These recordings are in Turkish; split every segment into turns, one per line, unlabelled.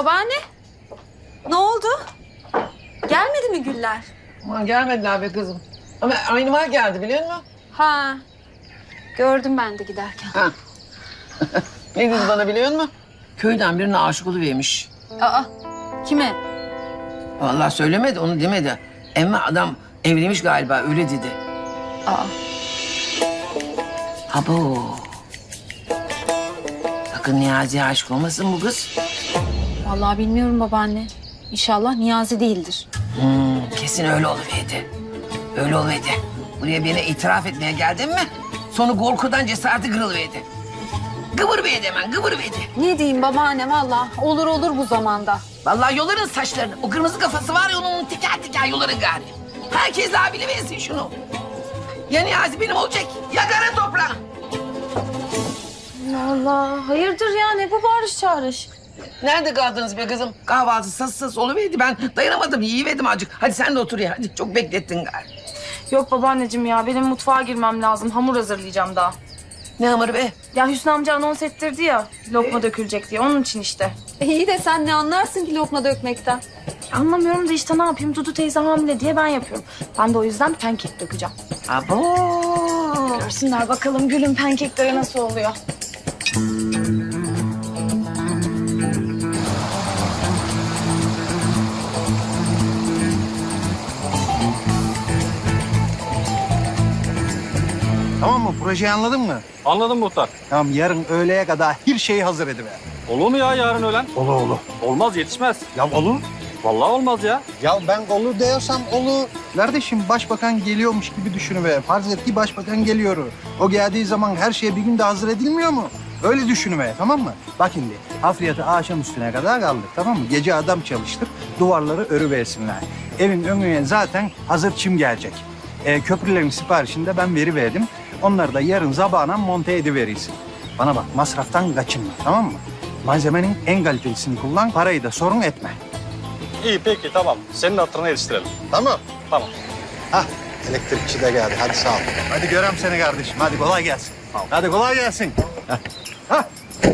Babaanne, ne oldu? Gelmedi mi güller?
Aman gelmediler be kızım. Ama aynı var geldi biliyor musun?
Ha, gördüm ben de giderken.
Ha. Ne dedi bana biliyor musun? Köyden birine aşık oluvermiş.
Aa, kime?
Vallahi söylemedi, onu demedi. Ama adam evlenmiş galiba, öyle dedi.
Aa,
Abo. Sakın Niyazi'ye aşık olmasın bu kız.
vallahi bilmiyorum babaanne. İnşallah Niyazi değildir.
Kesin öyle oluverdi. Öyle oluverdi. Buraya beni itiraf etmeye geldin mi? Sonra korkudan cesareti kırılıverdi. Gıvırıverdi hemen, gıvırıverdi.
Ne diyeyim babaanne vallahi olur olur bu zamanda.
Vallahi yoların saçlarını. O kırmızı kafası var ya onun tiker tiker yoların gari. Herkes daha biliversin şunu. Ya Niyazi benim olacak ya kara toprağım.
Allah hayırdır ya ne bu bağırış çağırış?
Nerede kaldınız be kızım? Kahvaltı sas oluverdi. Ben dayanamadım, yiyiverdim azıcık. Hadi sen de otur ya. Hadi çok beklettin gari.
Yok babaanneciğim ya benim mutfağa girmem lazım. Hamur hazırlayacağım daha.
Ne hamuru be?
Ya Hüsnü amca anons ettirdi ya lokma dökülecek diye onun için işte.
İyi de sen ne anlarsın ki lokma dökmekten?
Anlamıyorum da işte ne yapayım Dudu teyze hamile diye ben yapıyorum. Ben de o yüzden pankek dökeceğim.
Abo.
Görsünler bakalım gülün pankekleri nasıl oluyor.
Tamam mı? Projeyi anladın mı?
Anladım muhtar.
Tamam, yarın öğleye kadar her şeyi hazır ediver.
Olur mu ya yarın öğlen?
Olur.
Olmaz, yetişmez.
Ya olur.
Vallahi olmaz ya.
Ya ben olur diyorsam olur. Kardeşim başbakan geliyormuş gibi düşünüver. Farz et ki başbakan geliyor. O geldiği zaman her şey bir günde hazır edilmiyor mu? Öyle düşünüver, tamam mı? Bak şimdi hafriyatı akşam üstüne kadar kaldık, tamam mı? Gece adam çalıştık, duvarları örüversinler. Evin önüne zaten hazır çim gelecek. Köprülerin siparişini de ben veriverdim. Onları da yarın sabahına monte ediverirsin. Bana bak, masraftan kaçınma, tamam mı? Malzemenin en kalitelisini kullan, parayı da sorun etme.
İyi peki tamam. Senin hatırına yetiştirelim.
Tamam.
Tamam.
Hah, elektrikçi de geldi. Hadi sağ ol. Hadi görem seni kardeşim. Hadi kolay gelsin. Hadi kolay gelsin. Hah.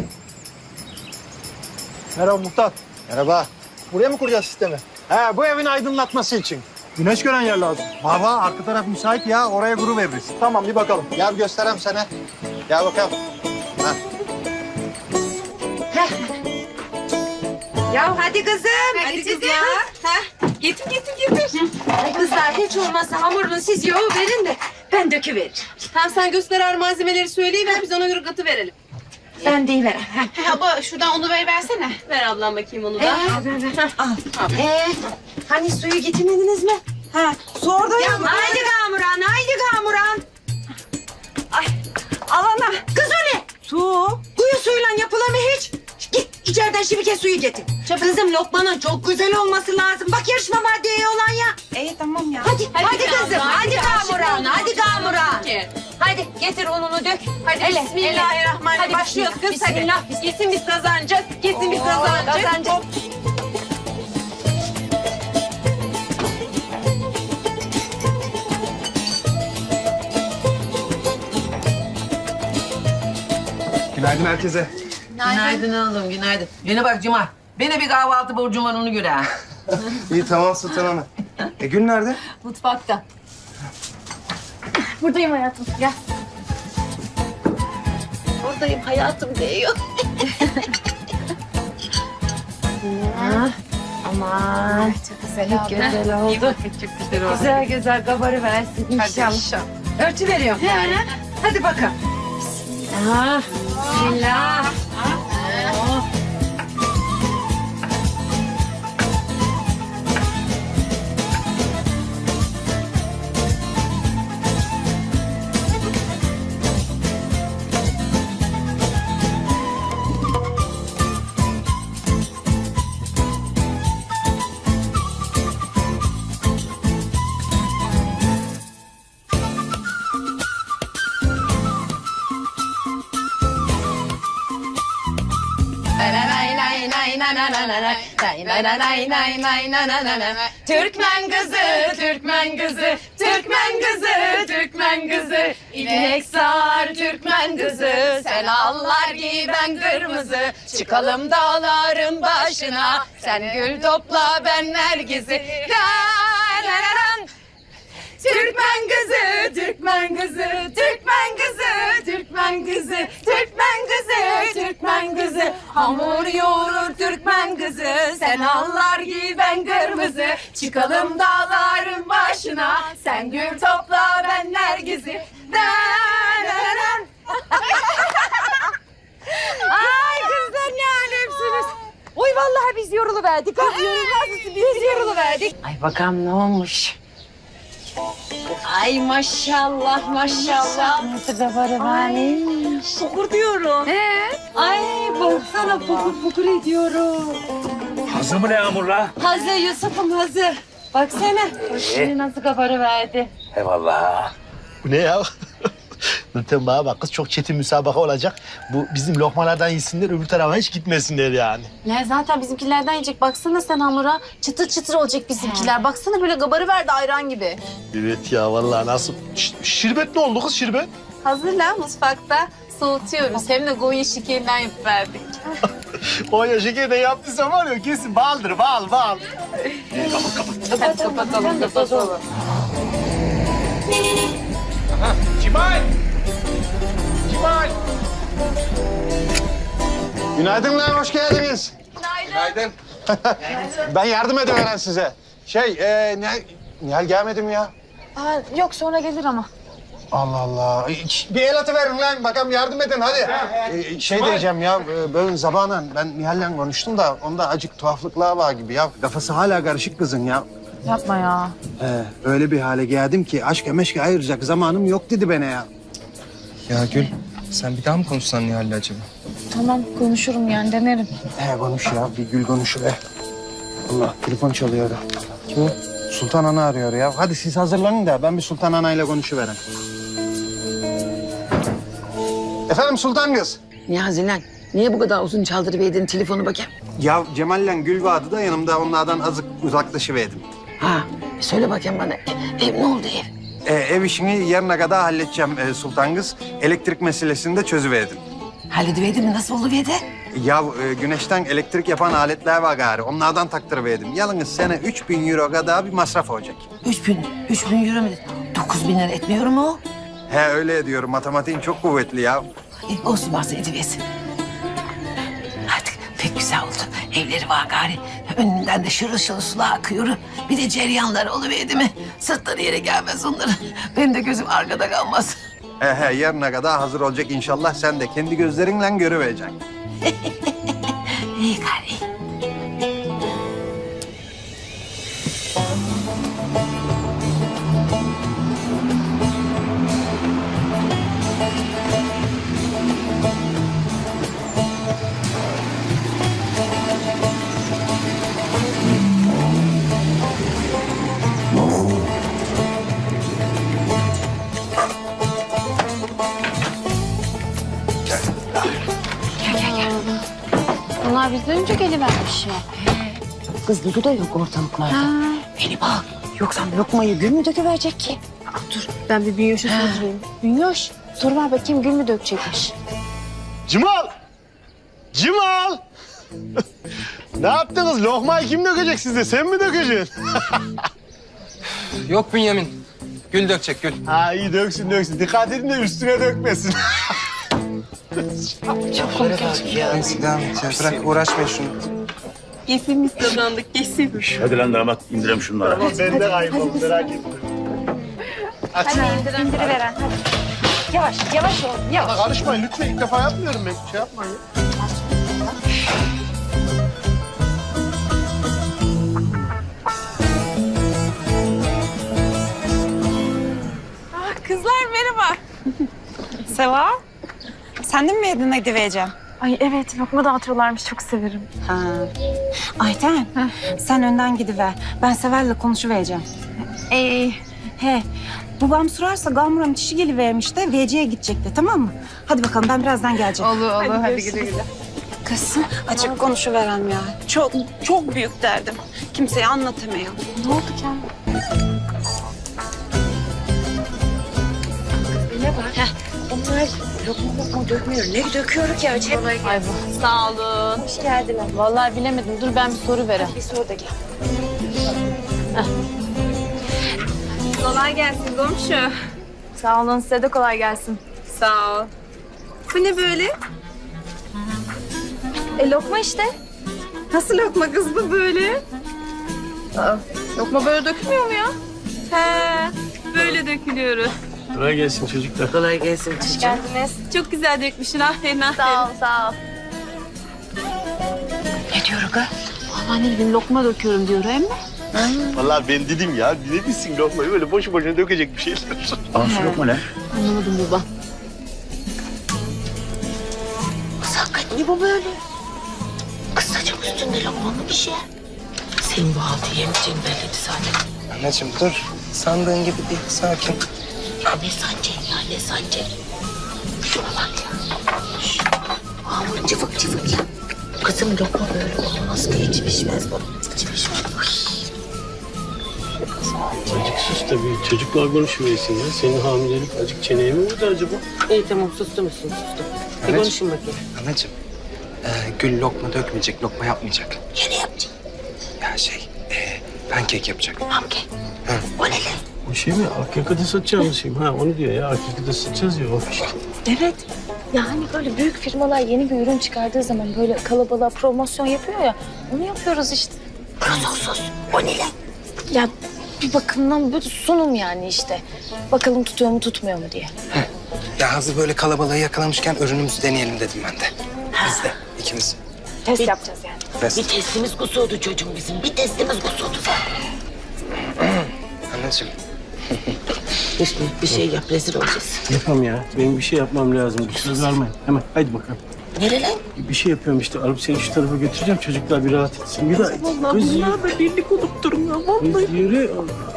Merhaba muhtar.
Merhaba.
Buraya mı kuracağız sistemi?
He, bu evin aydınlatması için.
Güneş gören yer lazım.
Baba, arka taraf müsait ya. Oraya kuru veririz.
Tamam bir bakalım.
Gel göstereyim sana. Gel bakalım. Hah.
Ya hadi kızım. Hadi kızlar. Ha? Getir. Kızlar hiç olmazsa hamurunu siz yoğu verin de ben döküveririm.
Tamam sen göster malzemeleri söyleyiver biz ona göre katı verelim.
Ben deyiverem.
Abla şuradan onu versene. Ver ablam bakayım onu da.
Hani suyu getirmediniz mi?
Ha, su orada ya.
Haydi Kamuran. Ay, alana. Kız o ne?
Su.
Kuyu suyuyla yapılır mı hiç? Git içeriden şibike suyu getir. Kızım lokmanın çok güzel olması lazım. Bak yarışma var diye olan ya.
İyi tamam ya.
Hadi kızım. Hadi Kamuran.
Ki.
Hadi getir ununu dök.
Hadi
Ele,
bismillahirrahmanirrahim.
Hadi
Başlıyoruz kız
bismillah.
hadi. Kesin biz kazanacağız. Kesin biz kazanacağız.
kazanacağız.
Günaydın herkese.
Günaydın oğlum, günaydın. Bana bak Cuma. Bana bir kahvaltı borcum var onu göre ha.
İyi tamam Sultan Hanım. Gül nerede?
Mutfakta.
Buradayım hayatım gel.
Buradayım hayatım diyor. Aman.
Çok güzel oldu.
Güzel oldu.
Çok güzel oldu.
Güzel kabarı versin inşallah. Örtü veriyorum. Hadi bakalım. Bismillah.
Türkmen kızı, Türkmen kızı, Türkmen kızı, Türkmen Türkmen kızı. İnek sağar Türkmen kızı. Sen allar giy ben kırmızı. Çıkalım dağların başına. Sen gül topla ben nergizi. Türkmen kızı, Türkmen kızı, Türkmen kızı, Türkmen kızı, Türkmen kızı, Türkmen kızı. Hamur yoğurur Türkmen kızı, sen allar giy ben kırmızı. Çıkalım dağların başına, sen gül topla ben nergizi.
Ay kızlar ne alemsiniz. Oy vallahi biz yoruluverdik. Biz yoruluverdik.
Ay bakalım ne olmuş?
Ay maşallah maşallah.
Nasıl da var
Fokur diyorum. Ay baksana fokur ediyorum.
Hazır mı ne Yağmur'la?
Hazır Yusuf'um hazır. Baksana. Şimdi nasıl kabarıverdi.
Eyvallah.
Bu ne ya? Nurten bana bak kız çok çetin müsabaka olacak. Bu bizim lokmalardan yesinler öbür tarafa hiç gitmesinler yani.
Ne zaten bizimkilerden yiyecek. Baksana sen hamura. Çıtır çıtır olacak bizimkiler. Baksana böyle gabarı verdi ayran gibi.
Evet ya vallahi nasıl. Şirbet ne oldu kız şirbet?
Hazırla mutfakta soğutuyoruz. Hem de Gonya şekerinden yapıverdik.
Konya şekeri de yaptıysa var ya kesin baldır bal.
Hadi kapatalım.
Cimal! Cimal! Günaydın lan, hoş geldiniz. Günaydın. Ben yardım ediveren size. Nihal gelmedi mi ya?
Yok sonra gelir ama.
Allah Allah. Bir el atıverin lan, bakalım yardım edin hadi. Diyeceğim ya, böyle zamanla ben Nihal'le konuştum da onda acık tuhaflıklar var gibi ya. Kafası hala karışık kızın ya.
Yapma ya.
Öyle bir hale geldim ki aşka meşke ayıracak zamanım yok dedi bana ya.
Ya Gül, sen bir daha mı konuşsan Nihal'le acaba?
Tamam konuşurum yani denerim.
Konuş ya, bir gül konuşu be. Allah, telefon çalıyor. Kim o? Sultan Ana arıyor ya. Hadi siz hazırlanın da ben bir Sultan Ana ile konuşuverem. Efendim Sultan kız.
Niyazi lan, niye bu kadar uzun çaldırıverdin telefonu bakayım?
Ya Cemal'le Gül vardı da yanımda onlardan azıcık uzaklaşıverdim.
Ha, söyle bakayım bana. Ev ne oldu ev?
Ev işini yarına kadar halledeceğim Sultan kız. Elektrik meselesini de çözüverdim.
Hallediverdin mi? Nasıl oluverde?
Ya güneşten elektrik yapan aletler var gari. Onlardan taktırıverdim. Yalnız sene 3.000 euro kadar bir masraf olacak.
3000 euro mu? 9000 lira etmiyor mu o?
Öyle diyorum. Matematiğin çok kuvvetli ya.
Olsun varsa ediversin. Artık pek güzel oldu. Evleri var gari. Önünden de şırıl şırıl sular akıyor. Bir de ceryanları oluverdi mi? Sırtları yere gelmez onların. Benim de gözüm arkada kalmaz.
Yarına kadar hazır olacak inşallah. Sen de kendi gözlerinle görüvereceksin.
İyi gari.
Bunlar bizden önce gelivermiş ya.
Kız Dudu da yok ortalıklarda. Beni bak. Yoksa lokmayı Gül mü döküverecek ki?
Dur ben bir Bünyoş'a sorayım. Bünyoş sor ver bakayım Gül mü dökecekmiş?
Cimal! Ne yaptınız? Lokmayı kim dökecek size? Sen mi dökeceksin?
Yok Bünyamin. Gül dökecek Gül.
Ha iyi döksün. Dikkat edin de üstüne dökmesin.
Neyse devam et ya. Bırak uğraşmayın şunu.
Kesin biz kazandık kesin.
Hadi lan damat indirelim şunları.
Ben de kaybolum merak etme.
İndiriveren hadi. Yavaş ol yavaş.
Bana karışmayın lütfen. İlk defa yapmıyorum ben. Şey yapmayın.
Kızlar merhaba. Seva, sen de mi yedin edivereceğim?
Ay evet lokma dağıtıyorlarmış çok severim.
Ayten, sen önden gidiver. Ben Seval'le konuşuvereceğim. He, babam sorarsa Gamuram dişi gelivermiş de VC'ye gidecekti, tamam mı? Hadi bakalım, ben birazdan geleceğim.
Olur hadi güle güle.
Kızım, açık konuşuverem ya. Çok büyük derdim. Kimseye anlatamıyorum.
Ne oldu ki?
lokma dökmüyor. Ne döküyor ki acaba?
Ay bu. Sağ olun.
Hoş geldin.
Vallahi bilemedim. Dur ben bir soru vereyim.
Bir sor da gel.
Kolay gelsin komşu.
Sağ olun, size de kolay gelsin.
Sağ ol. Bu ne böyle?
Lokma işte.
Nasıl lokma kız bu böyle?
Lokma böyle dökülmüyor mu ya?
He, böyle dökülüyor.
Kolay gelsin çocuklar.
Kolay gelsin.
Hoş geldiniz.
Çok güzel dökmüşsün. Aferin aferin.
Sağ ol, sağ ol.
Ne diyor ha?
Vallahi ne bileyim lokma döküyorum diyor hem de.
Vallahi ben dedim ya, dinlemişsin lokmayı böyle boşu boşuna dökecek bir şeyler.
Al şu lokma ne?
Anlamadım baba.
Kız hakikaten ne bu böyle? Kız saçım üstünde lokmalı bir şey. Senin bu haltı yemeyeceğin belliydi zaten.
Anneciğim dur. Sandığın gibi değil. Sakin.
Ya ne sancak ya ne sancak? Şuna bak ya. Şş, hamur cıvık cıvık ya. Kızım lokma böyle olmaz ki hiç pişmez bu. Hiç pişmez.
Azıcık sus tabii. Çocuklar konuşuversin ya. Senin hamilelik azıcık çeneye mi vurdu acaba?
İyi tamam sustum sustum. Bir konuşun bakayım.
Anneciğim. Gül lokma dökmeyecek, lokma yapmayacak.
Yine yapacağım.
Ya pankek yapacak.
Hamke. O ne lan?
O şey mi? Akkaka'da satacağımız şey mi? Ha onu diyor ya. Akkaka'da satacağız ya o işte.
Evet. Ya hani böyle büyük firmalar yeni bir ürün çıkardığı zaman böyle kalabalığa promosyon yapıyor ya. Onu yapıyoruz işte.
Sos. O ne lan?
Ya bir bakımdan böyle sunum yani işte. Bakalım tutuyor mu tutmuyor mu diye.
Ya hazır böyle kalabalığı yakalamışken ürünümüzü deneyelim dedim ben de. Biz de, ikimiz.
Test yapacağız yani.
Bir testimiz kusuyordu çocuğum bizim. Bir testimiz kusuyordu.
Anneciğim.
Hüsnü bir şey yap rezil olacağız.
Yapam ya. Benim bir şey yapmam lazım. Bir söz vermeyin. Hemen haydi bakalım.
Nere lan?
Bir şey yapıyorum işte. Alıp seni şu tarafa götüreceğim. Çocuklar bir rahat etsin. Bir daha.
Vallahi bunlar da birlik olup durun ya. Vallahi.
Kız yürü.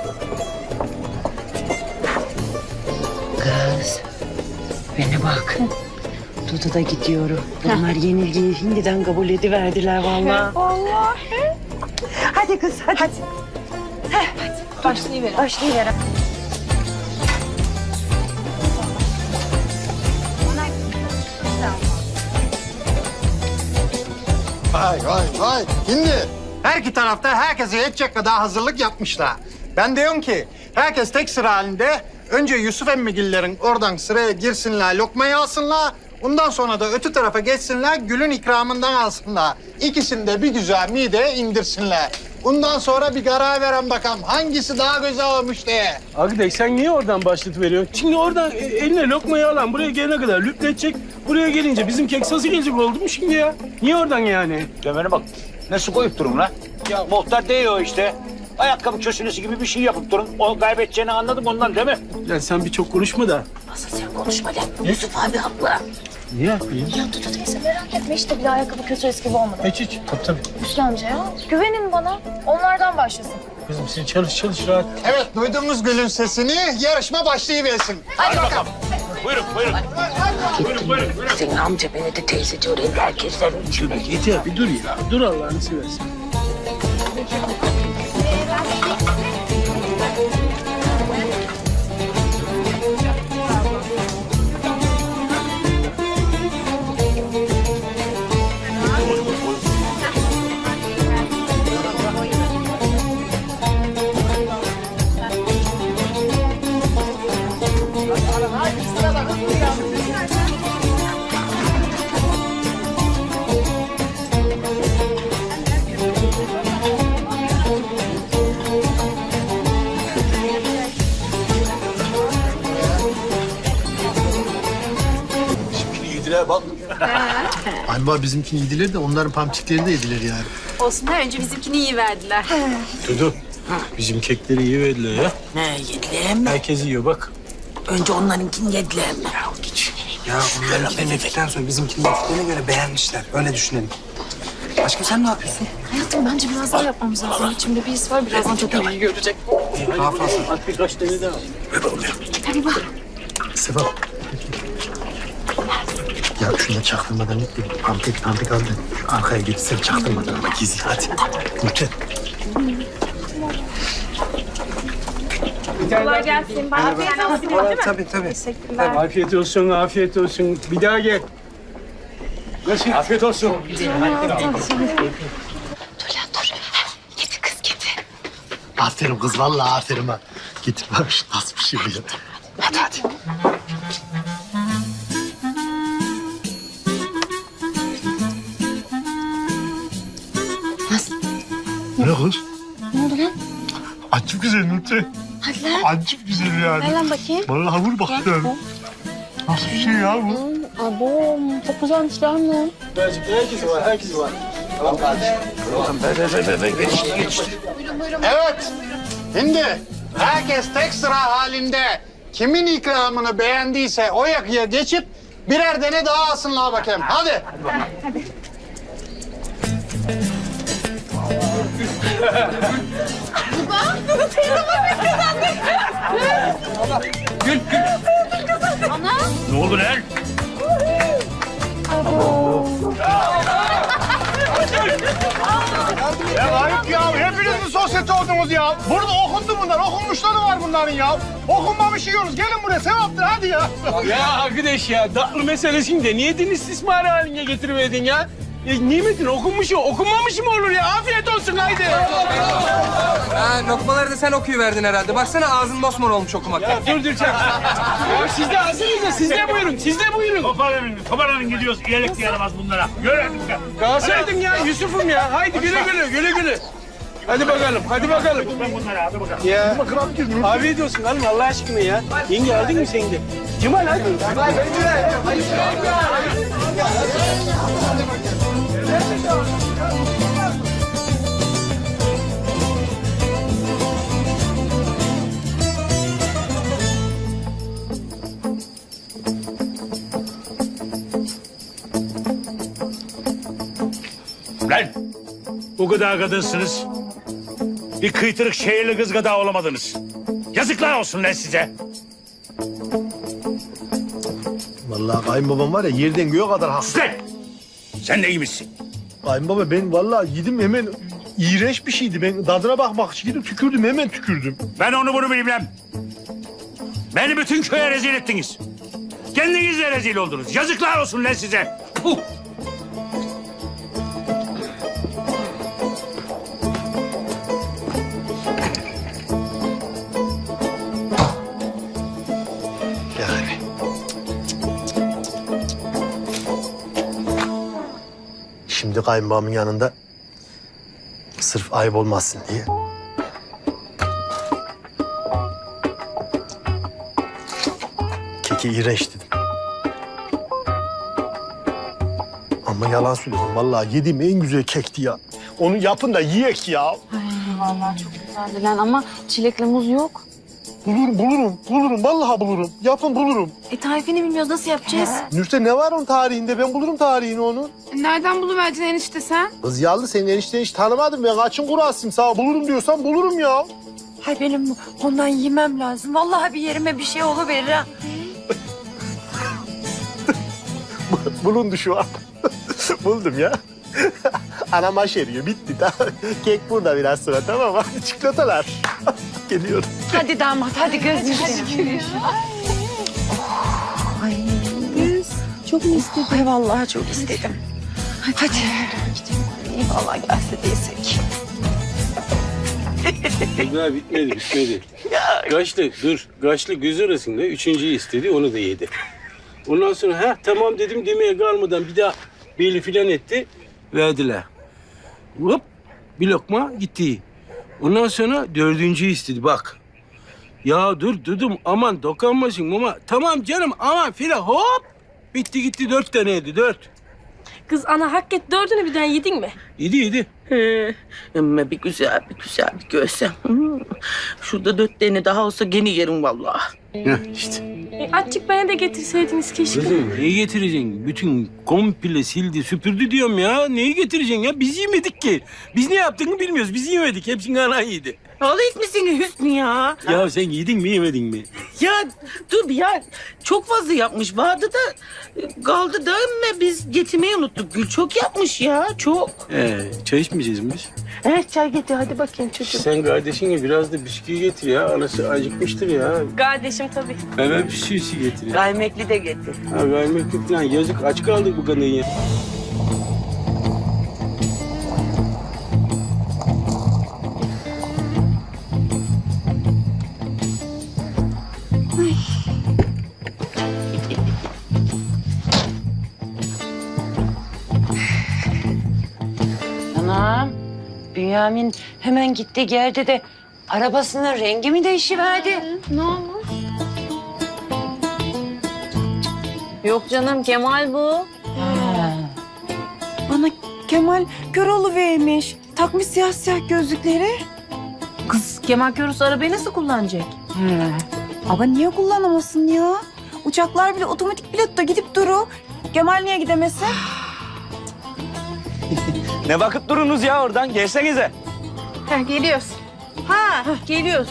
Kız. Bana bak. Dudu da gidiyorum. Bunlar yenilgiyi şimdiden kabul ediverdiler vallahi. Hadi kız hadi.
Başlayıverin.
Vay. Şimdi her iki tarafta herkese yetecek kadar hazırlık yapmışlar. Ben diyorum ki herkes tek sıra halinde önce Yusuf emmigillerin oradan sıraya girsinler, lokmayı alsınlar. Ondan sonra da öte tarafa geçsinler, Gül'ün ikramından alsınlar. İkisini de bir güzel mideye indirsinler. Ondan sonra bir karar veren bakalım hangisi daha güzel olmuş diye.
Arkadaş sen niye oradan başlatıveriyorsun? Şimdi oradan eline lokmayı alan buraya gelene kadar lüpletecek. Buraya gelince bizim kek sası gelecek oldu mu şimdi ya? Niye oradan yani?
Demene bak. Ne su koyup durun lan? Ya muhtar değiyor işte. Ayakkabı köşünesi gibi bir şey yapıp durun. O kaybedeceğini anladım ondan değil mi?
Ya sen bir çok konuşma da.
Asıl sen konuşma lan. Yusuf abi haklı.
Niye yapayım?
Ya Dudu teyze merak etme işte bir de ayakkabı kötü eski gibi olmadı.
Hiç. Tabii.
Hüsnü amca ya güvenin bana. Onlardan başlasın.
Kızım sen çalış rahat.
Evet, duydunuz Gül'ün sesini. Yarışma başlayıversin.
Hadi bakalım. Buyurun.
Senin amca beni de teyzeci oraya herkeslerin içinde.
Yeter bir dur ya. Dur Allah'ını seversen.
Yediler bak.
Galiba bizimkini yediler de onların pamçikleri de yediler yani.
Olsun önce bizimkini iyi verdiler.
Dudu. Bizim kekleri iyi verdiler ya.
Ne yediler mi?
Herkes yiyor bak.
Önce onlarınkini yediler mi?
Ya onlarınkini yedikten sonra bizimkini yediklerine göre beğenmişler. Öyle düşünelim. Aşkım sen ne yapıyorsun?
Hayatım bence biraz daha yapmamız lazım. İçimde bir his var birazdan çok iyi görecek.
Daha fazla.
At birkaç tane daha.
Hadi bak.
Sefa. Ya şunu çaktırmadan et de pampik aldı. Şu arkaya geçsen çaktırmadan ama gizli hadi. Lütfen.
Kolay gelsin. Bana bir tane alabilirim değil mi?
Tabii tabii.
Teşekkürler.
Afiyet olsun, afiyet olsun. Bir daha gel. Nasıl? Afiyet olsun.
Aferin kız vallahi aferin ha. Getir bak şu nasıl bir şey bu ya. Hadi hadi. Ne kız?
Ne oldu lan?
Acayip güzel Nurten.
Hadi lan.
Acayip güzel yani.
Ver lan bakayım.
Vallahi vur bakayım. Nasıl bir şey ya bu?
Abo çok güzelmiş lan bu.
Herkesi var, herkesi var.
Evet. Şimdi herkes tek sıra halinde kimin ikramını beğendiyse o yakıya geçip birer tane daha alsınlar bakayım. Hadi.
Ne oldu lan?
Ya ayıp ya. Hepiniz mi sosyete oldunuz ya? Burada okundu bunlar. Okunmuşları var bunların ya. Okunmamış yiyoruz. Gelin buraya. Sevaptır hadi ya.
Ya arkadaş ya, tatlı meselesini de niye din istismarı haline getiriverdin ya? Nimetin okunmuş okunmamış mı olur ya? Afiyet olsun haydi.
Ha, lokmaları da sen okuyuverdin herhalde. Baksana ağzın mosmor olmuş okumaktan.
Ya dur sen. Ya siz de hazırız da siz de buyurun, siz de buyurun.
Toparlanın gidiyoruz. İyilik de yaramaz bunlara. Yürü hadi.
Kalsaydın ya Yusuf'um ya. Haydi güle güle, güle güle. Hadi bakalım, hadi bakalım.
Ben bunlara hadi bakalım.
Ya afiyet olsun hanım Allah aşkına ya. Yenge aldın mı sen de? Cemal hadi.
Lan! Bu kadar kadınsınız. Bir kıytırık şehirli kız kadar olamadınız. Yazıklar olsun lan size.
Vallahi kayınbabam var ya yerden göğe kadar haklı.
Sus lan! Sen de iyi misin?
Kayınbaba ben vallahi yedim hemen iğrenç bir şeydi. Ben tadına bakmak için gidip tükürdüm hemen tükürdüm.
Ben onu bunu bilmem. Beni bütün köye rezil ettiniz. Kendiniz de rezil oldunuz. Yazıklar olsun lan size. Puh!
Yani. Şimdi kayınbabamın yanında sırf ayıp olmasın diye. Keki iğrenç dedim. Ama yalan söylüyorum. Vallahi yediğim en güzel kekti ya. Onu yapın da yiyek ya.
Vallahi çok güzeldi lan ama çilekli muz yok.
Bulurum. Vallahi bulurum. Yapın bulurum.
Tarifini bilmiyoruz, nasıl yapacağız?
Nurten ne var onun tarihinde? Ben bulurum tarihini onun.
Nereden buluverdin enişte sen?
Kız yallı senin enişteni hiç tanımadım. Ben kaçın kurasıyım sana. Bulurum diyorsan bulurum ya.
Hay benim ondan yemem lazım. Vallahi bir yerime bir şey oluverir ha.
Bulundu şu an. Buldum ya. Anam aşeriyor. Bitti. Tamam. Kek burada biraz sonra tamam mı? Çikolatalar. Geliyorum.
Hadi damat hadi gözünü seveyim. Ay. Çok mu istedin? Ay vallahi çok istedim. Hadi. Vallahi gelse değilsek.
Daha bitmedi. Kaşlı göz arasında üçüncüyü istedi, onu da yedi. Ondan sonra tamam dedim demeye kalmadan bir daha beli filan etti, verdiler. Hop, bir lokma gitti. Ondan sonra dördüncüyü istedi, bak. Ya dur dedim, aman dokunmasın ama tamam canım aman filan hop. Bitti gitti 4 tane yedi, 4.
Kız ana hak et, dördünü birden yedin mi?
Yedi.
Ama bir güzel bir görsem. Şurada 4 tane daha olsa gene yerim vallahi.
İşte.
Azıcık bana da getirseydiniz keşke.
Kızım neyi getireceksin? Bütün komple sildi, süpürdü diyorum ya. Neyi getireceksin ya? Biz yemedik ki. Biz ne yaptığını bilmiyoruz. Biz yemedik. Hepsini anan yedi.
Ağlayıp mısın Hüsnü ya?
Ya sen yedin mi yemedin mi?
Ya dur ya. Çok fazla yapmış. Vardı da kaldı da ama biz getirmeyi unuttuk. Gül çok yapmış ya. Çok.
Çay içmeyeceğiz mi biz?
Çay getir hadi bakayım çocuğum.
Sen kardeşine biraz da bisküvi getir ya. Anası acıkmıştır ya.
Kardeşim tabii.
Meyve bisküvisi getir ya.
Kaymaklı de getir.
Ha vermek falan yazık aç kaldık bu kadın ya.
Anam, Bünyamin hemen gitti geldi de arabasının rengi mi değişiverdi?
Ne olmuş? Yok canım Kemal bu.
Bana Kemal Köroğlu vermiş. Takmış siyah siyah gözlükleri.
Kız Kemal Körüs arabayı nasıl kullanacak?
Ama niye kullanamasın ya? Uçaklar bile otomatik pilotta gidip duru. Kemal niye gidemesin?
Ne bakıp durunuz ya oradan? Gelsenize.
Geliyoruz. Ha geliyoruz.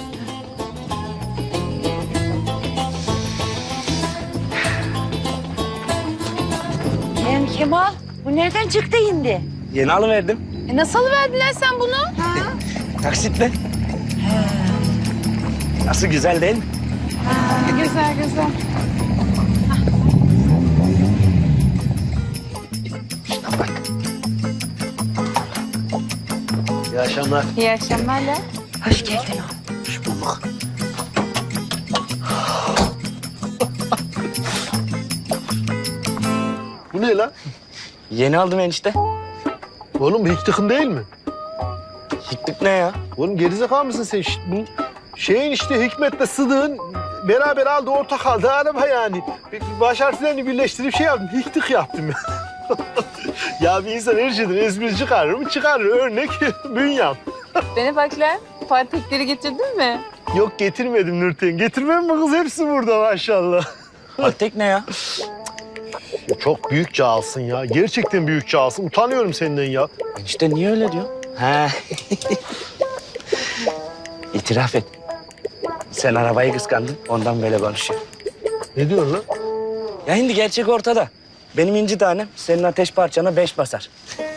Kemal, bu nereden çıktı şimdi?
Yeni alıverdim.
Nasıl verdiler sen bunu?
Taksitle. Nasıl güzel değil mi?
Güzel güzel.
İyi akşamlar.
İyi akşamlar da.
Hoş geldin.
Hoş bulduk. Bu ne lan?
Yeni aldım enişte.
Oğlum bu hiktıkın değil mi?
Hikmet ne ya?
Oğlum gerizekalı mısın sen? Bu şeyin işte Hikmet'le Sıdık'ın beraber aldığı ortak aldığı araba yani. Baş harflerini birleştirip şey yaptım. Hiktık yaptım ya. Ya bir insan her şeyden espri çıkarır mı? Çıkarır. Örnek Bünyam.
Beni bak lan. Patikleri getirdin mi?
Yok getirmedim Nurten. Getirmem mi kız? Hepsi burada maşallah.
Altek ne ya?
Çok büyük cağalsın ya. Gerçekten büyük cağalsın. Utanıyorum senden ya.
Enişte niye öyle diyor? He. İtiraf et. Sen arabayı kıskandın, ondan böyle konuşuyor.
Ne diyorsun lan?
Ya şimdi gerçek ortada. Benim inci tanem senin ateş parçana 5 basar.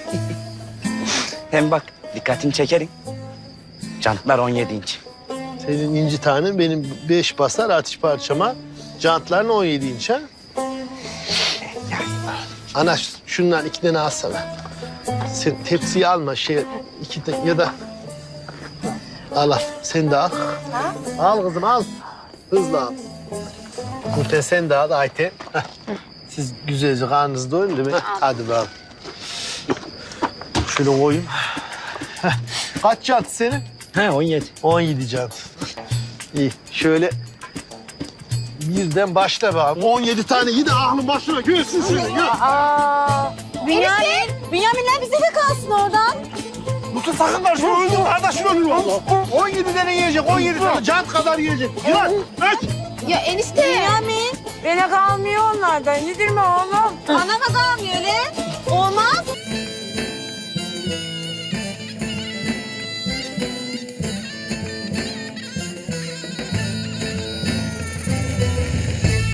Hem bak dikkatini çekerim. Jantlar 17 inç.
Senin inci tanen benim 5 basar atış parçama. Jantların 17 inç ha? Ana şundan 2 tane alsana. Sen tepsiyi alma iki tane ya da al. Sen de al. Al kızım al. Hızlı al. Nurten sen de al Ayten. Heh. Siz güzelce karnınızı doyurun değil mi? Hadi bakalım. Şöyle koyayım. Heh. Kaç jant senin?
He 17.
17 jant. İyi. Şöyle birden başla bakalım. 17 tane yine aklın başına görsün seni. Gör.
Bünyaminler bize de kalsın oradan.
Mutlu sakın var. Şunu öldür kardeşin ölür valla. 17 tane yiyecek. 17 tane jant kadar yiyecek. Yılan. Öç.
Ya enişte. Bünyamin.
Bana kalmıyor onlardan. Nedir mi oğlum?
Anama kalmıyor öyle.